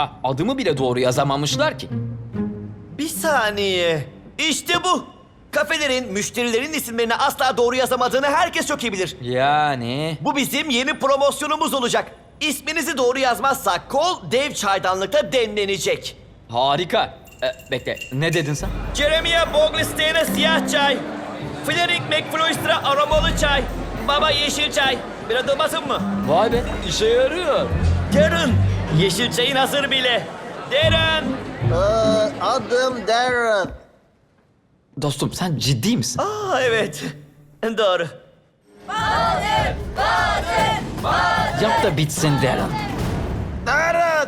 Daha adımı bile doğru yazamamışlar ki. Bir saniye. İşte bu. Kafelerin, müşterilerin isimlerini asla doğru yazamadığını herkes çok iyi bilir. Yani... Bu bizim yeni promosyonumuz olacak. İsminizi doğru yazmazsak kol dev çaydanlıkta demlenecek. Harika. Bekle, ne dedin sen? Jeremiah Boglisteyn'e siyah çay. Flerik McFloyster'a aromalı çay. Baba yeşil çay. Bir adım basın mı? Vay be, işe yarıyor. Darren, yeşil çayın hazır bile. Darren. Adım Darren. Dostum sen ciddi misin? Aa evet. Doğru. Yap da bitsin Darren. Darren.